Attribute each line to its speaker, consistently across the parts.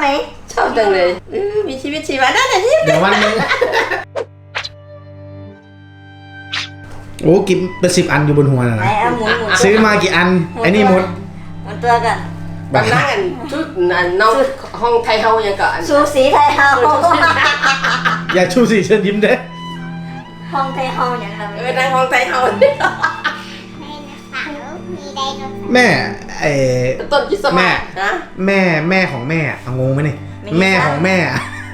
Speaker 1: ไหม
Speaker 2: ชอบจังเลยมีชีวิตชีวาได้แต่ยิ้ม
Speaker 3: เดี๋ยววันนึงโอ้กินเป็น10 อันอยู่บนหัวนะ
Speaker 1: ไหนเอาหมุน
Speaker 3: ซื้อมากี่อันไอ้นี่หมด
Speaker 1: หมุนตัวกัน
Speaker 2: ตอนนั่งกันชุดน้องห้องไทยเฮายังก่อน
Speaker 1: ชูสีไทยเฮา
Speaker 3: อย่าชูสิเชิญยิ้มเด้
Speaker 1: ห้องไทยเฮาอย่างเรา
Speaker 2: นั่งห้องไทยเฮา
Speaker 3: แม่ไอ้
Speaker 2: ต้นคิดสมัยนะ
Speaker 3: แม่ของแม่เอางงไหมนี่แม่ของแม่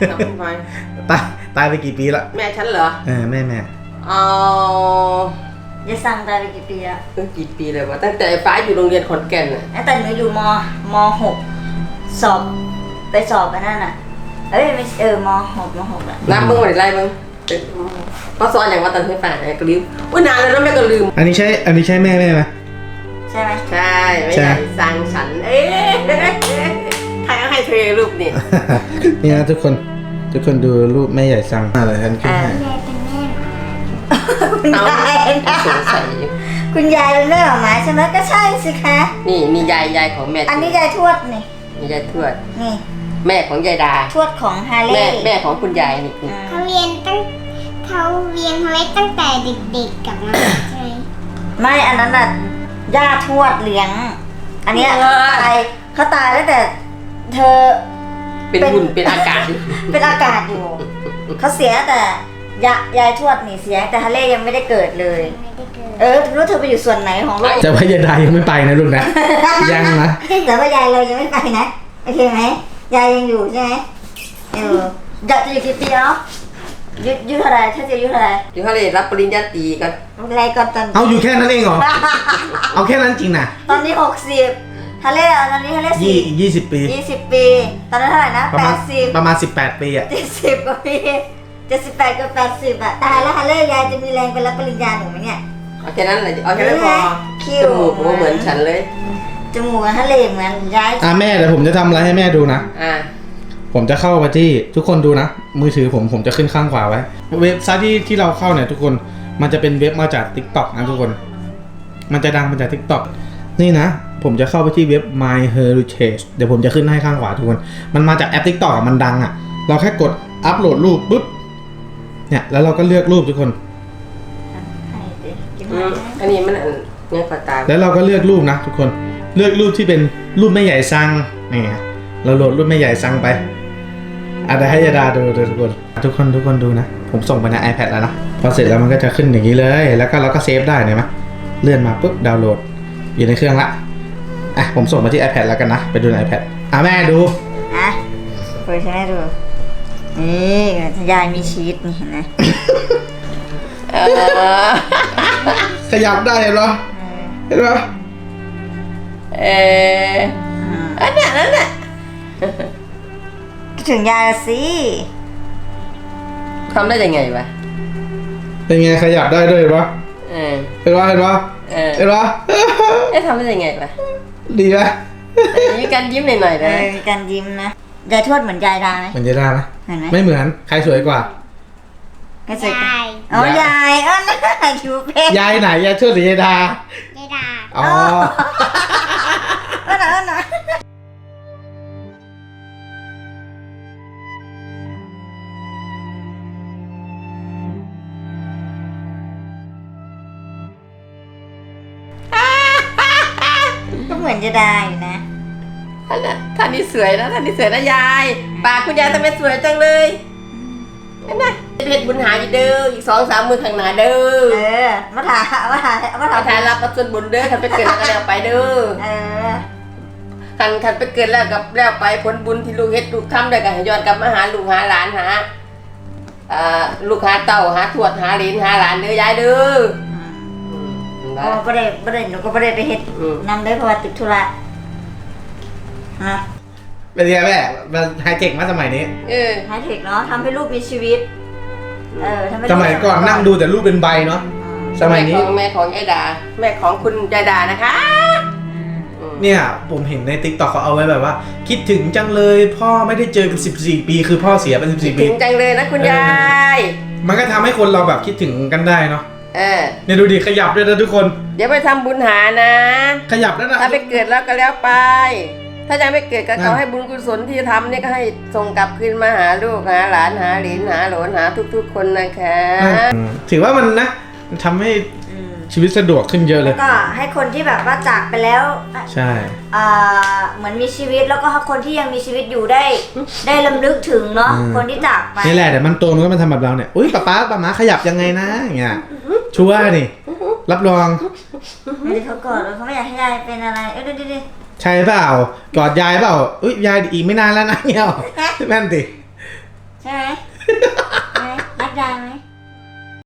Speaker 3: ตายไปกี่ปีละ
Speaker 2: แม่ฉันเหรอ
Speaker 3: แม่
Speaker 2: อ๋อ
Speaker 1: จะสั่งตายไปกี่ปีอะ
Speaker 2: กี่ปีเลยวะตั้งแต่ฟ้าอยู่โรงเรียนขอนแก่นน่ะ
Speaker 1: แต่หนูอยู่ม.6 สอบไปสอบกันนั่นน่ะไม่ม.6 อ่ะ
Speaker 2: นับมึงวันไหนมึงก็สอนอย่างว่าตอนที่ฝ่ายก็ลืมนานแล้วนะแม่ก็ลืม
Speaker 3: อันนี้ใช่แม่ไหม
Speaker 1: ใช่ไหม
Speaker 2: ใช่ไม่ใช่สั่งฉันใครเอาให้เธอรูปนี่
Speaker 3: นี่นะทุกคนดูรูปแม่ใหญ่สั่งอะไรท่านขึ้นให้
Speaker 1: คุณยายนะ
Speaker 2: สงสัย
Speaker 1: คุณยายเป็นแม่หมาใช่ไหมก็ใช่สิคะ
Speaker 2: นี่ยายของแม่
Speaker 1: อันนี้ยายทวดนี่
Speaker 2: นี่ยายทวด
Speaker 1: นี่
Speaker 2: แม่ของยายดา
Speaker 1: ทวดของฮาเล่
Speaker 2: แม่ของคุณยายนี่
Speaker 4: เขาเรียนไว้ตั้งแต่เด็กๆกับมาใช่ไหม
Speaker 1: ไม่อันนั้นน่ะย่าทวดเลี้ยง อันเนี้ยเขาตายตั้งแต่เธอ
Speaker 2: เป็นหุ่นเป็นอากาศ
Speaker 1: เป็นอากาศอยู่ เขาเสียแต่ยายทวดนี่เสียแต่ฮาเล่ยังไม่ได้เกิดเลย
Speaker 4: ไม่ได้เกิด
Speaker 1: รู้เธอไปอยู่ส่วนไหนของโลก
Speaker 3: จะพยาดายังไม่ไปนะลูกนะ ยังนะ
Speaker 1: แต่ว่ายายเรายังไม่ไปนะโอเคไหมยายยังอยู่ใช่ไหมอยู่จะอยู่กี่ปีแล้วยุเท่าไรถ้าจะยุเท่าไร
Speaker 2: อยู่เขาเลยรับปริญญาตรีกัน
Speaker 1: อะไรก่อนตอน
Speaker 3: เอาอยู่แค่นั้นเองเหรอ เอาแค่นั้นจริงนะ
Speaker 1: ตอนนี้60ฮาเล่ตอนนี้ฮาเล่
Speaker 3: 20 ปี
Speaker 1: 20 ปี ตอนนั้นเท่าไหร่นะ
Speaker 3: ประมาณ18 ปีอ่ะ
Speaker 1: 70กว่าปี78กับ80อ่ะตายแล้วฮาเล่ยายจะมีแรงไปรับปริญญาหนูไหมเนี่ย
Speaker 2: เอาแค่นั้นเลยเอาแค่นั้นพอ
Speaker 1: คิว
Speaker 2: จมูกเหมือนฉันเลย
Speaker 1: จมูกฮาเล่เหมือนยาย
Speaker 3: แม่เดี๋ยวผมจะทำอะไรให้แม่ดูนะ ผมจะเข้าไปที่ทุกคนดูนะ มือถือผมจะขึ้นข้างขวาไว้ เว็บไซต์ที่เราเข้าเนี่ยทุกคนมันจะเป็นเว็บมาจาก TikTok นะทุกคน มันจะดังมาจาก TikTok นี่นะ ผมจะเข้าไปที่เว็บ My Heritage เดี๋ยวผมจะขึ้นให้ข้างขวาทุกคน มันมาจากแอป TikTok มันดังอ่ะ เราแค่กดอัปโหลดรูปปุ๊บเนี่ยแล้วเราก็เลือกรูปทุกคน
Speaker 2: อันนี้มันเนี่ยขอตา
Speaker 3: แล้วเราก็เลือกรูปนะทุกคนเลือกรูปที่เป็นรูปแม่ใหญ่ซังนี่เราโหลดรูปแม่ใหญ่ซังไปอาจจะให้ยาดาดูทุกคนดูนะผมส่งไปใน iPad แล้วนะพอเสร็จแล้วมันก็จะขึ้นอย่างนี้เลยแล้วก็เราก็เซฟได้เห็นไหมเลื่อนมาปุ๊บดาวน์โหลดอยู่ในเครื่องละผมส่งมาที่ iPad แล้วกันนะไปดูใน iPad แม่ดู
Speaker 1: เปิดให้แม่ดูนี่ยายมีชีสนี่เห็นไหม
Speaker 3: ขยับได้เห็นปะ
Speaker 2: อันนั้นน่ะ
Speaker 1: ถึงยายสิ
Speaker 2: ทำได้ยังไงวะ
Speaker 3: เป็นไงขยับได้ด้วยเห็นปะเห็นปะทำได้
Speaker 2: ยังไงวะ
Speaker 3: ดีไหม
Speaker 2: มีการยิ้มหน่อยๆนะ
Speaker 1: มีการยิ้มนะยายทวดเหมือนยายดาไหม
Speaker 3: เหมือนยายดาไหม
Speaker 1: เห็นไหม
Speaker 3: ไม่เหมือนใครสวยกว่า
Speaker 1: ไม่สวยอ๋อยายน่าคิวเพ่
Speaker 3: ยายไหนยายทวดหรือยายดา
Speaker 4: ยายดา
Speaker 3: อ๋อ
Speaker 1: นะก็เหมือนจะได้อยู่นะ
Speaker 2: ท่านนี้สวยนะยายปากคุณยายทำไมสวยจังเลยนั่นน่ะเพชรบุญหาอยู่เด้ออีก2-3 มือข้างหน้าเด้อ
Speaker 1: มาถ่าย
Speaker 2: รับส่วนบุญเด้อคันไปเกิดแล้วก็แล้วไปเด้อคันไปเกิดแล้วกับแล้วไปผลบุญที่ลูกเฮ็ดลูกทำได้ก็ให้ย้อนกลับมาหาลูกหาหลานหาลูกหาเต่าหาทวดหาเหลนหาหลานเด้อยายเด้อ
Speaker 1: ประเด็นหนูก็ประเด็นไปเฮ็ดนำได้เพราะว่าติดธุระ
Speaker 3: เป็นไงแม่มันไฮเทคมาสมัยนี้
Speaker 1: ไฮเทคเนาะทำให้ลูกมีชีวิต
Speaker 3: สมัยก่อนนั่งดูแต่รูปเป็นใบเนาะสมัยนี้
Speaker 2: แม่ของยายดาแม่ของคุณยายดานะคะ
Speaker 3: เนี่ยผมเห็นใน TikTok เขาเอาไว้แบบว่าคิดถึงจังเลยพ่อไม่ได้เจอกัน14 ปีคือพ่อเสียไป14 ปี
Speaker 2: ถึงจังเลยนะคุณยาย
Speaker 3: มันก็ทำให้คนเราแบบคิดถึงกันได้เนาะเนี่ยดูดิขยับด้วยนะทุกคน
Speaker 2: เดี๋ยวไปทำบุญหานะ
Speaker 3: ขยับแล้วนะ
Speaker 2: ถ้าไปเกิดแล้วก็แล้วไปถ้ายังไม่เกิดก็ขอให้บุญกุศลที่ทำเนี่ยก็ให้ส่งกลับคืนมาหาลูกหาหลานหาเหลนหาโหลนหาทุกๆคนนะคะ
Speaker 3: ถือว่ามันนะมันทำให้ชีวิตสะดวกขึ้นเยอะเลย
Speaker 1: ก็ให้คนที่แบบว่าจากไปแล้ว
Speaker 3: ใช่
Speaker 1: เหมือนมีชีวิตแล้วก็ให้คนที่ยังมีชีวิตอยู่ได้รำลึกถึงเนาะคนที่จากไป
Speaker 3: นี่แหละแต่มันโตมันก็มาทำแบบเราเนี่ยอุ้ยป๊าม้าขยับยังไงนะอย่างเงี้ยชัวร์นี่รับรอง
Speaker 1: ไม่ได้เขากอดเขาไม่อยากให้ยายเป็นอะไรดูดิ
Speaker 3: ใช่เปล่ากอดยายเปล่าอุ้ยยายอีกไม่นานแล้วนะเงี้ยแม่นติ
Speaker 1: ใช่ไหม